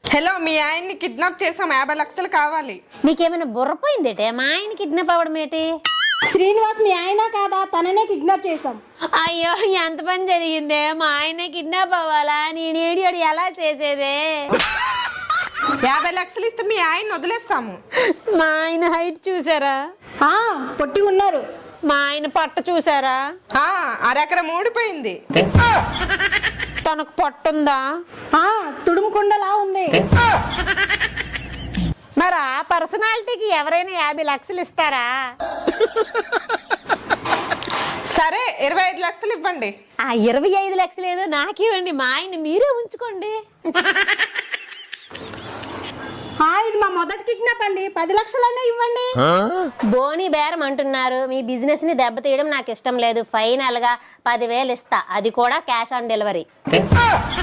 Hello, మీ ఆయన్ని kidnap చేసాం, 50 లక్షలు కావాలి. మీకేమైనా బుర్రపోయిందేటే? మా ఆయన కిడ్నాప్ అవ్వడం ఏంటి? శ్రీనివాస్ మీ ఆయన కాదా? తననే కిడ్నాప్ చేసాం. అయ్యో, ఎంత పని జరిగిందే! మా ఆయన కిడ్నాప్ అవ్వాలా? నేను ఏడియోడు ఎలా చేసేదే? 50 లక్షలు ఇస్తే మీ ఆయన్ని వదిలేస్తాము. మా ఆయన హైట్ చూసారా? పొట్టి ఉన్నారు. మా ఆయన పట్ట చూసారా? అరెకరం ఊడిపోయింది. తనకు పట్టుందా? తుడుముకుండలా ఉంది. మరి ఆ పర్సనాలిటీకి ఎవరైనా 50 లక్షలు ఇస్తారా? సరే, 25 లక్షలు ఇవ్వండి. ఆ 25 లక్షలు ఏదో నాకివ్వండి, మా ఆయన మీరే ఉంచుకోండి. ఇది మా మొదటి కిడ్నాప్ అండి. 10 లక్షలైనా ఇవ్వండి. బోని బేరం అంటున్నారు. మీ బిజినెస్ ని దెబ్బతీయడం నాకు ఇష్టం లేదు. ఫైనల్ గా 10,000 ఇస్తా, అది కూడా క్యాష్ ఆన్ డెలివరీ.